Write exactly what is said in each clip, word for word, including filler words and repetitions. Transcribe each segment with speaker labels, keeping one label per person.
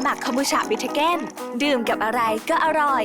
Speaker 1: หมักคอมบูชาบิทเกนดื่มกับอะไรก็อร่อย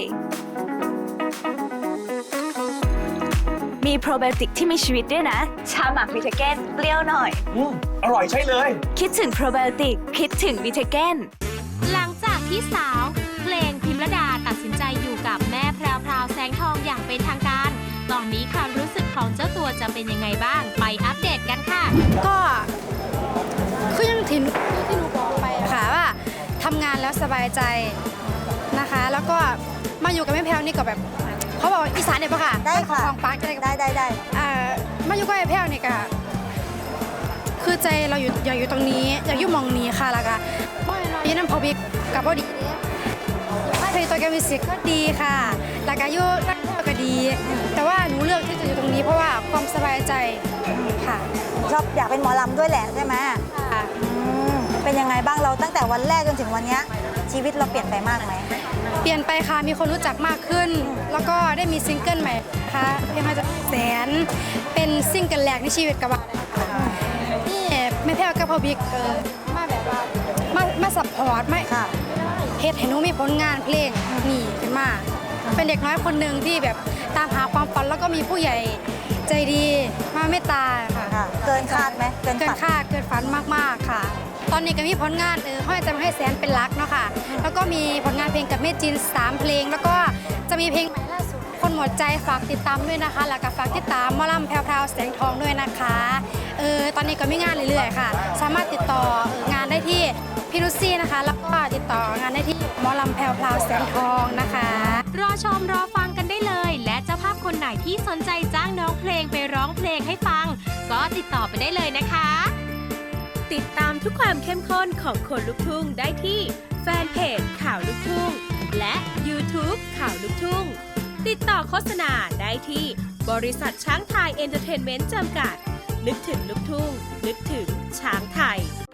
Speaker 1: มีโปรไบโอติกที่มีชีวิตด้วยนะชาหมักบิทเกนเปรี้ยวหน่อย
Speaker 2: อืมอร่อยใช่เลย
Speaker 1: คิดถึงโปรไบโอติกคิดถึงบิทเกน
Speaker 3: หลังจากที่สาวเพลงพิมรดาตัดสินใจอยู่กับแม่แพรวพราวแสงทองอย่างเป็นทางการตอนนี้ความรู้สึกของเจ้าตัวจะเป็นยังไงบ้างไปอัปเดตกันค่ะ
Speaker 4: ก็คือยังที่ที่หนูบอกไปค่ะว่าทำงานแล้วสบายใจนะคะแล้วก็มาอยู่กับแม่แพรวนี่ก็แบบเขาบอกอีสานเนี่ยปะค่ะ
Speaker 5: ได้ค่ะ
Speaker 4: ของปาร์กได้
Speaker 5: ได้ได้ได้
Speaker 4: อ่ามาอยู่กับแม่แพรวนี่ก็คือใจเราอยู่อยากอยู่ตรงนี้อยากอยู่มองนี้ค่ะแล้วก็ยี่น้ำพอบิกกับพอดีให้เพลงตัวแกมิวสิกก็ดีค่ะแล้วก็อยู่ตั้งก็ดีแต่ว่าหนูเลือกที่จะอยู่ตรงนี้เพราะว่าความสบายใจค่ะ
Speaker 5: ชอบอยากเป็นหมอลำด้วยแหละใช่ไหม
Speaker 4: ค่ะ
Speaker 5: เป็นยังไงบ้างเราตั้งแต่วันแรกจนถึงวันนี้ชีวิตเราเปลี่ยนไปมากไหม
Speaker 4: เปลี่ยนไปค่ะมีคนรู้จักมากขึ้นแล้วก็ได้มีซิงเกิลใหม่ค่ะเพลงมาจากแสนเป็นซิงเกิลแรกในชีวิตกับว่านี่ไม่แพ้กับพ่อบิ๊กเออมาแบบว่ามามาซัพพอร์ตไม่
Speaker 5: ค่ะ
Speaker 4: เฮ็ดให้หนูมีผลงานเพลงนี่ขึ้นมาเป็นเด็กน้อยคนหนึ่งที่แบบตามหาความฝันแล้วก็มีผู้ใหญ่ใจดีมาเมตตา
Speaker 5: ค่ะเกินคาดไหม
Speaker 4: เกินคาดเกินฝันมากๆค่ะตอนนี้ก็มีผลงานเออห้อยจะมาให้แสนเป็นรักเนาะค่ะแล้วก็มีผลงานเพลงกับแม่จินสามเพลงแล้วก็จะมีเพลงใหม่ล่าสุดคนหมดใจฝากติดตามด้วยนะคะแล้วก็ฝากติดตามหมอลำแพรวพราวแสงทองด้วยนะคะเออตอนนี้ก็มีงานเรื่อยๆค่ะสามารถติดต่องานได้ที่พี่นุชซี่นะคะแล้วก็ติดต่องานได้ที่หมอลำแพรวพราวแสงทองนะคะ
Speaker 3: รอชมรอฟังกันได้เลยและเจ้าภาพคนไหนที่สนใจจ้างน้องเพลงไปร้องเพลงให้ฟังก็ติดต่อไปได้เลยนะคะติดตามทุกความเข้มข้นของคนลุกทุ่งได้ที่แฟนเพจข่าวลุกทุ่งและ YouTube ข่าวลุกทุ่งติดต่อโฆษณาได้ที่บริษัทช้างไทยเอนเตอร์เทนเมนต์จำกัดนึกถึงลุกทุ่งนึกถึงช้างไทย